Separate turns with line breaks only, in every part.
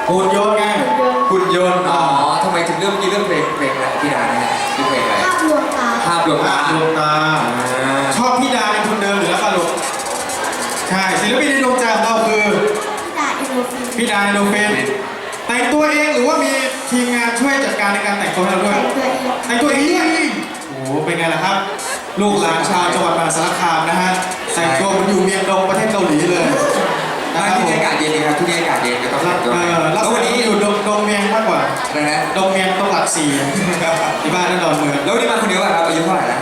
หุ่นยนต์ไงหุ่นยนต์
อ๋อทำไมถึงเรื่องเรื่องเพลงอะไรพี่ดาเนี่ยคือเพลงอะไร
ภาพลวงตา
ภาพดวงตา
ดวงตาชอบพี่ดาเป็นทุนเดิมหรือแล้วคะลูกใช่ศิลปินในดวงใจของเราคือ
พี่ดาอินโนฟิน
พี่ดาอินโนฟินแต่งตัวเองหรือว่ามีทีมงานช่วยจัดการในการแต่งตัวให้เราด้วยแต่งตัวเองโอ้โหเป็นไงล่ะครับลูกหลานชาวจังหวัดมหาสารคามนะฮะแต่งตัวเหมือนอยู่เมียงดงประเทศเกาหลีเลยนะค
ที่
รับ
นี่อากาศเย็นดีครับที่นี่อากาศเย็นก็ต้องแต่งตัว
แล้ววันนี้อยู่ดงเมียงมากกว่า
อะไรนะ
ดงเมียงต้องหลักสี่ที่บ้านนั่นดอนเมือง
แล้ววันนี้มาคนเดียวครับอายุเท่าไหร่แล้ว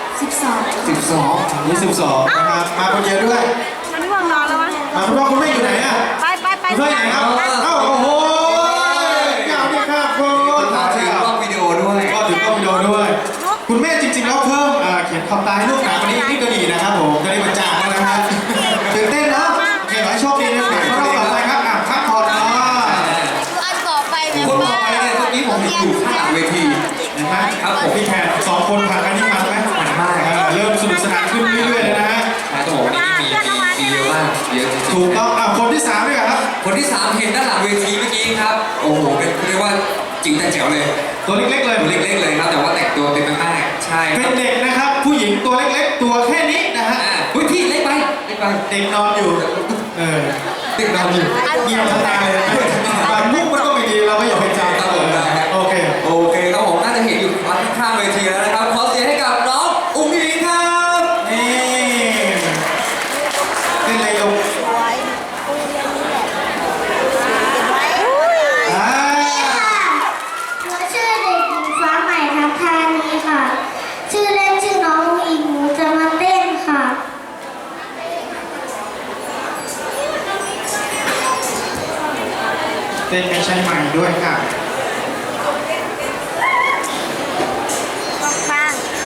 12
นี่12นะครับมาคนเดียวด้วย
มันง่วงนอนแล้วมั้ง
คุณพ่อคุณแม่อยู่ไหนอ่ะ
ไป
คุณพ่ออยู่ไหนครับเอ้าโอ้โหยาวดีครับคุณ
มาถึงกล้องวิดีโอด้วย
ก็ถึงกล้องวิดีโอด้วยคุณแม่จริงๆแล้วเพิ่มเขียนคำตายให้ลูกหนาวันนี้นี่ก็ดีนะครับผมจะได้บรรจาคแล้วนะฮะตื่นเต้นเนาะโอเคขอให้โชคดีนะครับรอบต่อไปครับพักผ่อนเนาะ
อันต่อไปแบบ
คนต่
ว่า
อไปเนี่ยเมื่อกี้ผมเห็นอยู่ข้างหลังเวที
เห็นไหมครับผมพี่แขก2 คนผ่านกันนี่มันไหม
มันมาก
เริ่มสนุกสนานขึ้นเรื่อยๆเลยนะฮะ
ต้องบอกว่านี่มีเยอะมากเยอะจริง
ถูกต้องคนที่3ด้วยครับ
คนที่3เห็นด้านหลังเวทีเมื่อกี้ครับโอ้โหเป็นเรียกว่าจิ๋วแต่แจ๋วเลย
ตัวเล็กๆเลย
ตัวเล็กๆเลยครับแต่ว่าแต่งตัวเต็มมากใช่ค
เป็
รั
น
บ
เด็กนะครับผู้หญิงตัวเล็กๆตัวแค่นี้นะฮะ
เฮ้ยพี่เล็กไปเล็กไป
เด็กนอนอยู่
เด็กนอนอยู่
เงียบทั้งตาเลยบางมุกมันก็ไม่ดีเราไม่อยากไปจำ
ครับผมได้ครับ
โอเค
โอเคครับผมน่าจะเห็นอยู่ข้างๆเวทีแล้วนะครับขอเสียงให้กับน้องอุ้งอิงครับ
นี่เป็นไรลูกอ่า
หนูชื่อเด็กหญิงฟ้าใหม่ทัพธานีค่ะ ชื่อเล่นชื่อน้องอิงหนูจะมาเต้นค่ะ
เต้นไม่ใช่ใหม่ด้วยค่ะ